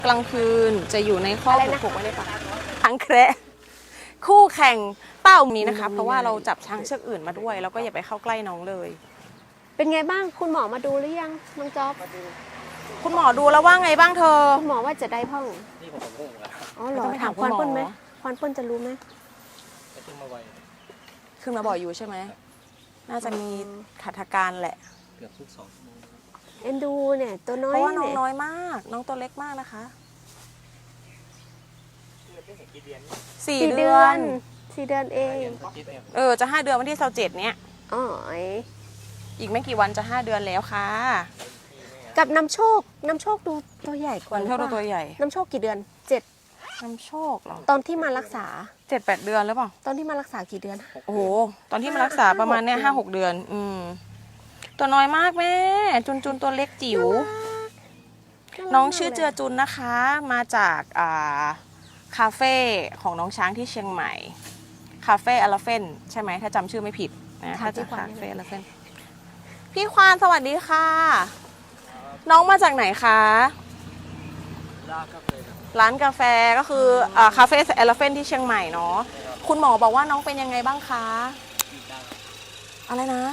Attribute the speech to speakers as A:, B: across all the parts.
A: กลางคืนจะอยู่ในคอกผูกไว้ในป่าช้างแคระคู่แข่งเต้านี้นะคะเพราะว่าเราจับช้างเชือกอื่นมาด้วยแล้วก็อย่าไปเข้าใกล้น้องเลย
B: เป็นไงบ้างคุณหมอมาดูหรือยังน้องจ๊อบ
A: คุณหมอดูแล้วว่าไงบ้างเธอ
B: คุณหมอว่าจะได้พ่อง
C: นี่ผมงงแล้ว
B: อ๋อเหรอถามควานเปิ้ลไหมควานเปิ้ลจะรู้ไหม
C: ขึ้นมาไว
A: ขึ้นมาบ่อยอยู่ใช่ไหมน่าจะมีขัดการแหละ
C: เกือบทุก2 ชั่วโมง
B: เอ็นดูเนี่ยตัวน้อย
A: เพราะว่าน้องน้อยมากน้องตัวเล็กมากนะคะ4 เดือน
B: เอง
A: จะ5 เดือนวันที่27เนี้ย
B: อ๋อ
A: อีกไม่กี่วันจะ5 เดือนแล้วค่ะ
B: กับน้ำโชคดูตัวใหญ่กว่า
A: น้ำโชคดูตัวใหญ่
B: น้ำโชคกี่เดือน7
A: น้ำโชคเหรอ
B: ตอนที่มารักษา
A: 7-8 เดือนหรือเปล่า
B: ตอนที่มารักษากี่เดือน
A: โอ้โหตอนที่มารักษาประมาณเนี้ย5-6 เดือนตัวน้อยมากแม่จุนตัวเล็กจิ๋วน้องชื่อเจือจุนนะคะมาจากคาเฟ่ของน้องช้างที่เชียงใหม่คาเฟ่อลาเฟนใช่ไหมถ้าจำชื่อไม่ผิดนะถ้าจะคาเฟ่อลาเฟนพี่ควานสวัสดีค่ะน้องมาจากไหนคะร้านกาแฟก็คือคาเฟ่เอลาเฟนที่เชียงใหม่เนาะคุณหมอบอกว่าน้องเป็นยังไงบ้างคะอะไรนะ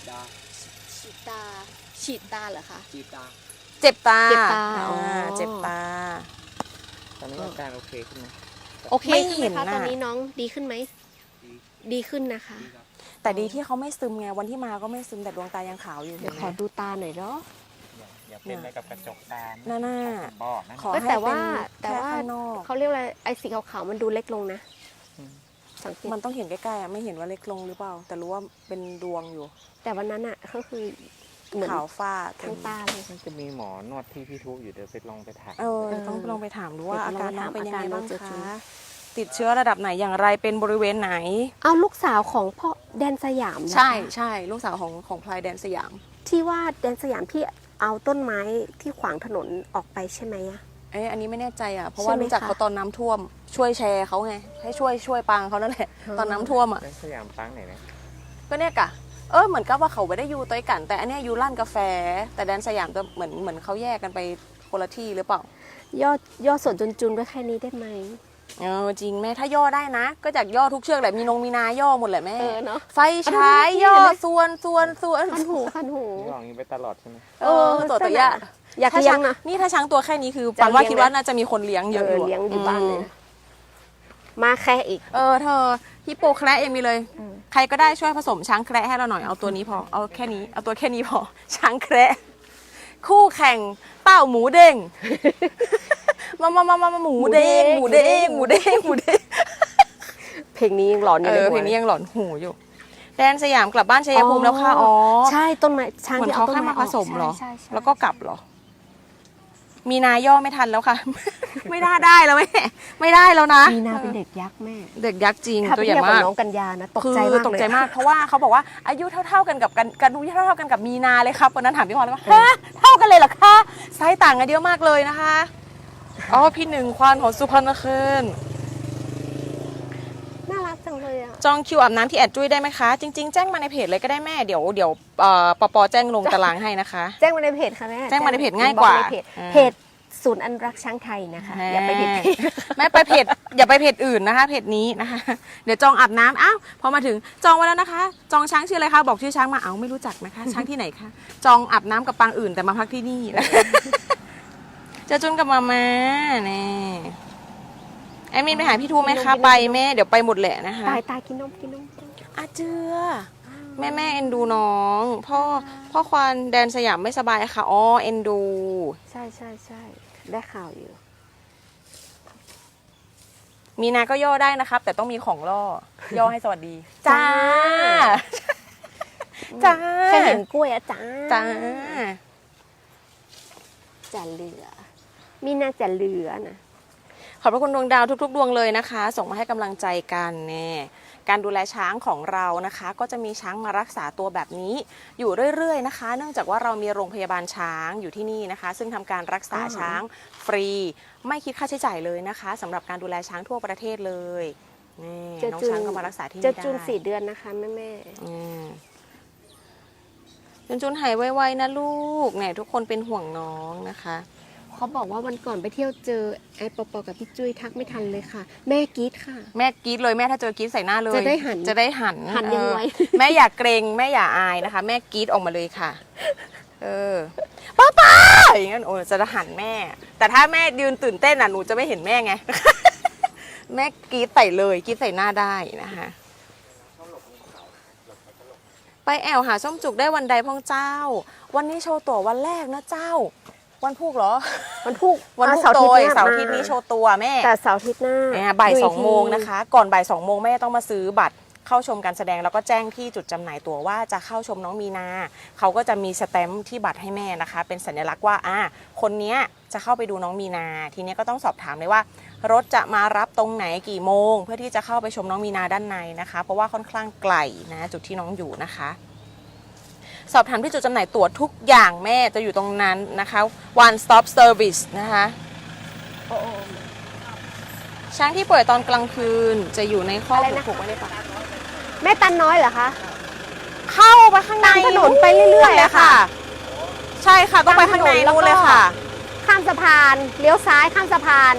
B: ฉีดตาเหรอคะ
A: เจ็บตา
B: เจ็บตา
C: ตอนนี้อาการโอเคขึ้นไหม
B: โอเคไม่เห็นนะตอนนี้น้องดีขึ้นไหมดีขึ้นนะคะ
A: แต่ดีที่เขาไม่ซึมไงวันที่มาก็ไม่ซึมแต่ดวงตายังขาวอยู่
B: เดี๋ยวขอดูตาหน่อยเนาะ
C: อย่าเป็นอะไรกับกระจกตา
A: หน้า
B: ขอให้แต่ว่าเขาเรียกอะไรไอ้สีขาวๆมันดูเล็กลงนะ
A: สังเกตมันต้องเห็นใกล้ๆไม่เห็นว่าเล็กลงหรือเปล่าแต่รู้ว่าเป็นดวงอยู่
B: แต่วันนั้นอะก็คือ
A: ขาวฟ้า
B: ทั้งตาเลย
C: จะมีหมอนวดที่พี่ทุอยู่เดี๋ยวไปลองไปถาม
A: ต้องลองไปถามดูว่าอาการน้องเป็นยังไงบ้างคะติดเชื้อระดับไหนอย่างไรเป็นบริเวณไหน
B: เอาลูกสาวของพ่อแดนสยาม
A: ใช่ลูกสาวของพลายแดนสยาม
B: ที่ว่าแดนสยามพี่เอาต้นไม้ที่ขวางถนนออกไปใช่ไหมอะ
A: อันนี้ไม่แน่ใจอะเพราะว่ารู้จักเขาตอนน้ำท่วมช่วยแชร์เขาไงให้ช่วยปางเขานั่นแหละตอนน้ำท่วมอะ
C: แดนสยามปางไหนนะ
A: ก็เนี่ยกะเหมือนกับว่าเขาไม่ได้อยู่ตัวกันแต่อันนี้อยู่ร้านกาแฟแต่แดนสยามจะเหมือนเขาแยกกันไปคนละที่หรือเปล่า
B: ย่อส่วนจุนไว้แค่นี้ได้ไหม
A: จริงแม่ถ้าย่อได้นะก็จากย่อทุกเชือกแหละมีมีนาย่อหมดแหละแม่
B: เนาะ
A: ไฟฉายย่อส่วน
B: คันหู
C: นี่ลองไปตลอดใช่ไหม
A: ตัวอย
B: ากเลี้ยงนะ
A: นี่ถ้าช้างตัวแค่นี้คือปันว่าคิดว่าน่าจะมีคนเลี้ยงเยอะ
B: เลี้ยงอยู่บ้านเลยมาแค่อีก
A: เธอฮิปโปแคระยังมีเลยใครก็ได้ช่วยผสมช้างแคระให้เราหน่อยเอาตัวนี้พอเอาแค่นี้เอาตัวแค่นี้พอช้างแคระคู่แข่งเต้าหมูเด้งมาหมูเด้ง
B: เพลงนี้ยังหลอนอยู่
A: เพลงนี้ยังหลอนหูอยู่แดนสยามกลับบ้านชัยภูมิแล้วค่ะ
B: ใช่ต้นไม้ช้าง
A: ที่เอาต้นไม้มาผสมเหรอแล้วก็กลับเหรอมีนาย่อไม่ทันแล้วค่ะไม่ได้แล้วแม่ไม่ได้แล้วนะ
B: มีนาเป็นเด็กยักษ์แม่
A: เด็กยักษ์จริงตัวใหญ่มาก
B: น้องกัญญานะตกใจ
A: มากเพราะว่าเขาบอกว่าอายุเท่ากันกับกันดูเท่ากันกับมีนาเลยครับวันนั้นถามพี่พรว่าเท่ากันเลยเหรอคะไซส์ต่างกันเยอะมากเลยนะคะพี่หนึ่งควานของสุพรรณคืน
B: น่ารักจังเลยอ่ะ
A: จองคิวอาบน้ำที่แอดจุ้ยได้ไหมคะจริงๆแจ้งมาในเพจเลยก็ได้แม่เดี๋ยวปแจ้งลงตารางให้นะคะ
B: แจ้งมาในเพจค่ะแม่
A: แจ้งมาในเพจง่ายกว่า
B: เพจศูนย์อนุรักษ์ช้างไทยนะคะอย่าไปเพจ
A: แม่ไปเพจอย่าไปเพจอื่นนะคะเพจนี้นะคะเดี๋ยวจองอาบน้ำพอมาถึงจองไว้แล้วนะคะจองช้างชื่ออะไรคะบอกชื่อช้างมาไม่รู้จักนะคะช้างที่ไหนคะจองอาบน้ำกับปางอื่นแต่มาพักที่นี่จะจุนกับมาเนี่ยแอมินไปหาพี่ทูไหมคะไปแม่เดี๋ยวไปหมดแหละนะคะ
B: ตายกินนม
A: เจือแม่เอ็นดูน้องพ่อควานแดนสยามไม่สบายค่ะเอ็นดู
B: ใช่ได้ข่าวอยู่
A: มีนาก็ย่อได้นะครับแต่ต้องมีของย่อให้สวัสดี
B: จ้าแค่เห็นกล้วยจ้าจะเหลือมีนาจะเหลือนะ
A: ขอบพระคุณดวงดาวทุกๆดวงเลยนะคะส่งมาให้กำลังใจกันแน่การดูแลช้างของเรานะคะก็จะมีช้างมารักษาตัวแบบนี้อยู่เรื่อยๆนะคะเนื่องจากว่าเรามีโรงพยาบาลช้างอยู่ที่นี่นะคะซึ่งทำการรักษาช้างฟรีไม่คิดค่าใช้จ่ายเลยนะคะสำหรับการดูแลช้างทั่วประเทศเลยนี่น้องช้างก็มารักษาที่นี่ได้
B: จะจูน4 เดือนนะคะแม่
A: จุนหายไวๆนะลูกเนี่ยทุกคนเป็นห่วงน้องนะคะ
B: เขาบอกว่าวันก่อนไปเที่ยวเจอไอ้ปอกับพี่จุ้ยทักไม่ทันเลยค่ะ แม่กรี๊ดค่ะ
A: แม่กรี๊ดเลยแม่ถ้าเจอกรี๊ดใส่หน้าเลย
B: จะได้หัน
A: จะได้หัน
B: หันยังไง
A: แม่อย่าเกรงแม่อย่าอายนะคะ แม่กรี๊ดออกมาเลยค่ะ ป้าอย่างนั้นโอ้จะหันแม่ แต่ถ้าแม่ยืนตื่นเต้นอ่ะหนูจะไม่เห็นแม่ไง แม่กรี๊ดใส่เลยกรี๊ดใส่หน้าได้นะคะ ไปแอวหาส้มจุกได้วันใดพ่องเจ้า วันนี้โชว์ตั๋ววันแรกนะเจ้า วันพุกเหรอ
B: วันพุก
A: วันพุก
B: เสาร์
A: โด
B: อาทิต
A: ย
B: ย์
A: เสาร์อาทิตย์นี้โชว์ตัวแม่
B: แต่เสาร์อาทิตย์หน้า
A: บ่าย
B: ดู
A: ส
B: ก
A: อง
B: ที
A: โมงนะคะ ก่อนบ่าย2 โมงแม่ต้องมาซื้อบัตรเข้าชมการแสดงแล้วก็แจ้งที่จุดจำหน่ายตั๋วว่าจะเข้าชมน้องมีนาเขาก็จะมีสแตมป์ที่บัตรให้แม่นะคะ เป็นสัญลักษณ์ว่าคนเนี้ยจะเข้าไปดูน้องมีนา ทีนี้ก็ต้องสอบถามเลยว่า รถจะมารับตรงไหนกี่โมง เพื่อที่จะเข้าไปชมน้องมีนาด้านในนะคะ เพราะว่าค่อนข้างไกลนะจุดที่น้องอยู่นะคะ สอบถามที่จุดจำหน่ายตั๋วทุกอย่างแม่จะอยู่ตรงนั้นนะคะ one stop service นะคะ ช้างที่ป่วยตอนกลางคืนจะอยู่ในคอก
B: อะไรนะ
A: ผูกไว้ในป่า
B: แม่ตันน้อยเหรอคะ
A: เข้าไปข้างใน
B: ตามถนนไปเรื่อยๆ
A: เลยค่ะ ใช่ค่ะต้องไปข้างใน
B: ตามถนนแล้ว
A: นู่นเลย
B: ก็
A: ค่ะ
B: ข้ามสะพานเลี้ยวซ้ายข้ามสะพาน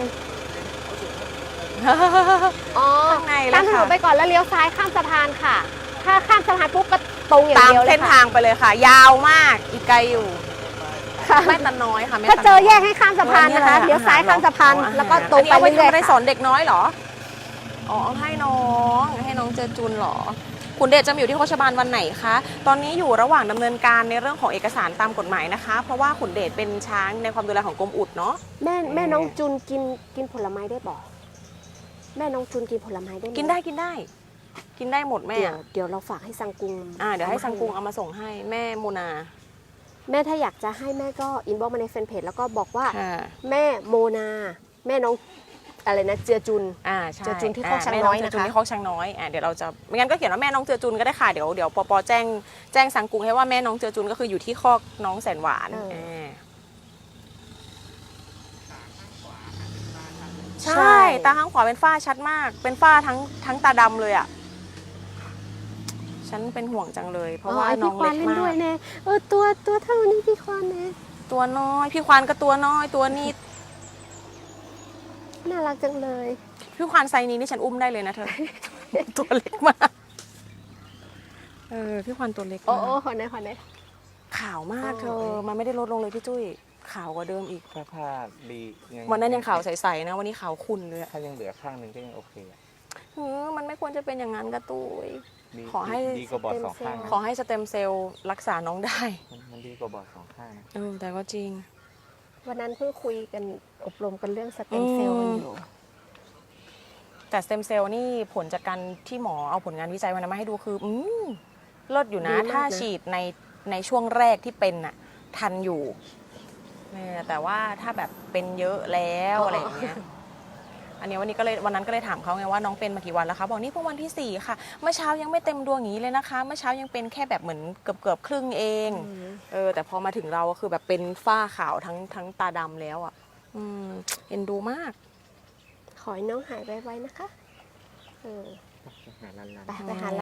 B: อ๋อ
A: ข้างในเลย
B: ตามถน
A: ค่ะ
B: นไปก่อนแล้วเลี้ยวซ้ายข้ามสะพานค่ะ ถ้าข้ามสะพานปุ๊บก็ตรงอย่าง
A: ตาม
B: เดียวเล
A: เส้
B: ย
A: น
B: ค่ะ
A: ทางไปเลยค่ะ ยาวมากอีกไกลอยู่แม่ตันน้อยค่ะแม่
B: ถ้า
A: ตัน
B: เจอ
A: น้ย
B: แยกให้ข้ามสะพานนะคะ เลี้ยวซ้ายข้ามสะพานแล้วก็ตรงไป
A: อันนี้
B: เรื่อย
A: เอาไป
B: ๆ
A: สอ
B: ค่ะ
A: นเด็กน้อยเหรออ๋อให้น้องเจอจุนเหรอคุณเดชจะมาอยู่ที่โคชบาลวันไหนคะตอนนี้อยู่ระหว่างดำเนินการในเรื่องของเอกสารตามกฎหมายนะคะ เพราะว่าขุนเดชเป็นช้างในความดูแลของกรมอุดเนาะ
B: แม่น้องจุนกินผลไม้ได้บอกแม่น้องจุนกินผลไม้ได้ไหม
A: กินได้กินได้หมดแม่
B: เดี๋ยวเราฝากให้ซังกุง
A: เดี๋ยวให้ซังกุงเอามาส่งให้แม่โมนา
B: แม่ถ้าอยากจะให้แม่ก็อินบ็อกมาในแฟนเพจแล้วก็บอกว่า
A: ค่ะ
B: แม่โมนา แม่น้องอะไรนะเจือจุน
A: ใช่
B: เจอจุนที่คอกช้างน้อยนะคะ
A: แม่เจอจุนที่คอกช้างน้อยเดี๋ยวเราจะไม่งั้นก็เขียนว่าแม่น้องเจอจุนก็ได้ค่ะเดี๋ยวปอแจ้งสังกุงให้ว่าแม่น้องเจอจุนก็คืออยู่ที่คอกน้องแสนหวานใช่ตาข้างขวาเป็นฝ้าชัดมาก เป็นฝ้าทั้งตาดำเลยอ่ะฉันเป็นห่วงจังเลย เพราะว่าน้องเล็ก
B: พี่ควานเล่น
A: มา
B: ด้วย
A: ก
B: แน่ตัวเท่านี้พี่ควานแน่
A: ตัวน้อยพี่ควานก็ตัวน้อยตัวนิด
B: น่ารักจังเลย
A: พี่ควานไซส์นี้นี่ฉันอุ้มได้เลยนะเธอ ตัวเล็กมากพี่ควานตัวเล็ก
B: โอ้
A: มาก
B: ขอไหน
A: ขาวมากเธอ มันไม่ได้ลดลงเลยพี่จุ้ยขาวกว่าเดิมอีก
C: ถ้าผ้าดี
A: วันนั้นยังขาวใสๆนะวันนี้ขาวขุ่นเลยอะ
C: ถ้ายังเหลือข้างหนึ่งก็ยังโอเคอะ
A: มันไม่ควรจะเป็นอย่างนั้นกระตุ้ย
C: ดี
A: ขอให้
C: ดีกว่าบอดสองข้าง
A: ขอให้สเต็มเซลล์รักษาน้องได้
C: มันดีกว่าบอดสองข้างนะ
A: แต่ก็จริง
B: วันนั้นเพิ่งคุยกันอบรมกันเรื่องสเต็มเซลล์กันอยู่
A: แต่สเต็มเซลล์นี่ผลจากการที่หมอเอาผลงานวิจัยวันนั้นมาให้ดูคือเลิศอยู่นะ
B: ดีมากนะ
A: ถ้าฉีดในช่วงแรกที่เป็นน่ะทันอยู่แต่ว่าถ้าแบบเป็นเยอะแล้วอะไรอย่างเงี้ยอันนี้วันนั้นก็เลยถามเขาไงว่าน้องเป็นมากี่วันแล้วคะบอกนี่เพิ่งวันที่4ค่ะเมื่อเช้ายังไม่เต็มดวงอย่างนี้เลยนะคะเมื่อเช้ายังเป็นแค่แบบเหมือนเกือบครึ่งเองแต่พอมาถึงเราก็คือแบบเป็นฝ้าขาวทั้งตาดำแล้วอ่ะเอ็นดูมาก
B: ขอให้น้องหายไวๆนะคะ
C: หาลัน
B: ไปหา